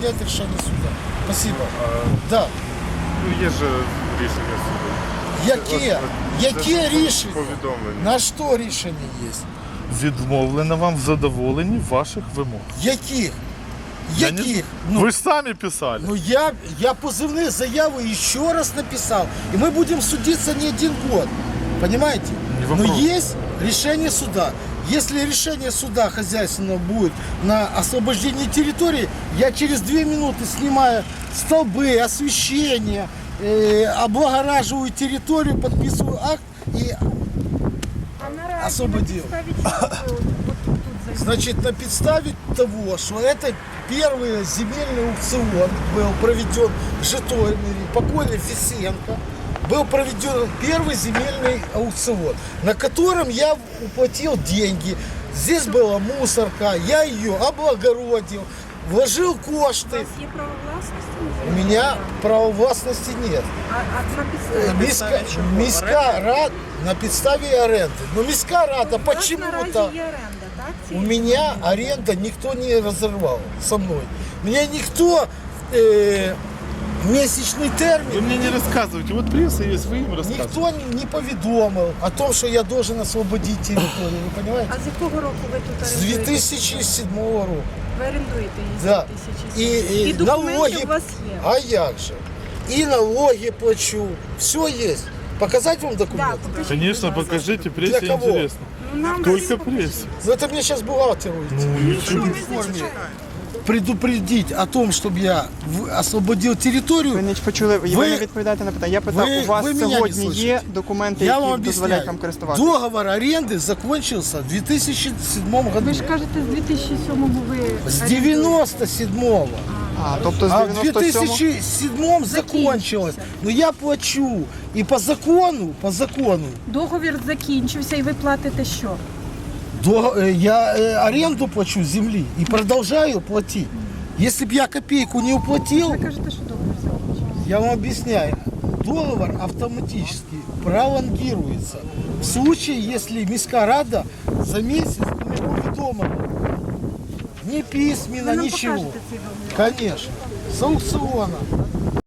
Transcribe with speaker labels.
Speaker 1: Это решение суда. Спасибо. Да.
Speaker 2: Ну, є же рішення суду.
Speaker 1: Яке рішення?
Speaker 2: Повідомлення.
Speaker 1: На що рішення є?
Speaker 3: Відмовлено вам в задоволенні ваших вимог.
Speaker 1: Яких?
Speaker 3: Я не-
Speaker 1: Яких?
Speaker 3: Ви ж самі писали.
Speaker 1: Ну я позывные заявы еще раз написал. И мы будем судиться не один год. Понимаете?
Speaker 3: Не
Speaker 1: Но
Speaker 3: вопрос.
Speaker 1: есть решение суда. Если решение суда хозяйственного будет на освобождение территории, я через 2 минуты снимаю столбы, освещение, облагораживаю территорию, подписываю акт и освободил. Значит, на подставе того, что это первый земельный аукцион был проведен в Житомире, покойный Фисенко, был проведен первый земельный аукцион, на котором я уплатил деньги. Здесь была мусорка, я ее облагородил, вложил
Speaker 4: У
Speaker 1: кошты.
Speaker 4: вас є право власності?
Speaker 1: У меня права властности нет.
Speaker 4: А на підставі?
Speaker 1: Міська рада на підставі оренди. Но міська рада
Speaker 4: У вас
Speaker 1: почему-то...
Speaker 4: наразі є оренда, так?
Speaker 1: У меня аренда никто не разорвал со мной. Меня никто месячный
Speaker 3: Ви
Speaker 1: термин,
Speaker 3: мені не розказуєте. От преса є, ви їм розказуєте.
Speaker 1: никто не поведомил о том, что я должен освободить территорию. Вы понимаете?
Speaker 4: А з якого року ви тут
Speaker 1: С
Speaker 4: орендуєте?
Speaker 1: 2007 года.
Speaker 4: Ви орендуєте її з
Speaker 1: Да.
Speaker 4: 2007?
Speaker 1: И
Speaker 4: документи
Speaker 1: налоги.
Speaker 4: у вас є?
Speaker 1: А як же? И налоги плачу. Все есть. Показать вам
Speaker 4: Да,
Speaker 1: документы?
Speaker 4: покажіть,
Speaker 3: Конечно,
Speaker 4: будь ласка.
Speaker 3: покажите, прессе
Speaker 1: Для кого?
Speaker 3: интересно.
Speaker 4: Ну, нам
Speaker 3: Только
Speaker 4: покажіть.
Speaker 3: прессе.
Speaker 1: Ну это мне сейчас бухгалтер уйти.
Speaker 4: Що ви зачитаєте?
Speaker 1: Предупредить о том, чтобы я освободил территорию.
Speaker 5: Ви не почули, ви
Speaker 1: Ви-
Speaker 5: не відповідаєте на питання. Я питав,
Speaker 1: ви
Speaker 5: у вас
Speaker 1: мене не
Speaker 5: сьогодні є
Speaker 1: слухаєте.
Speaker 5: документи,
Speaker 1: Я вам
Speaker 5: які дозволяють
Speaker 1: объясняю.
Speaker 5: вам користуватися?
Speaker 1: Договор аренды закончился в 2007 году.
Speaker 4: Ви ж кажете, з 2007-го ви
Speaker 1: С
Speaker 4: орендуєте.
Speaker 1: 97-го.
Speaker 5: А, тобто з
Speaker 1: А в
Speaker 5: 97-го?
Speaker 1: 2007 закончилось. Но я плачу. И по закону,
Speaker 4: Договір закінчився і ви платите що?
Speaker 1: я аренду плачу земли и продолжаю платить. Если б я копейку не уплатил,
Speaker 4: Ви кажете, що договір закінчився.
Speaker 1: я вам объясняю, договор автоматически пролонгируется. В случае, если міська рада за месяц не повідомила. Ни письменно,
Speaker 4: Ви нам
Speaker 1: ничего.
Speaker 4: покажете цей договір?
Speaker 1: Конечно. С аукциона.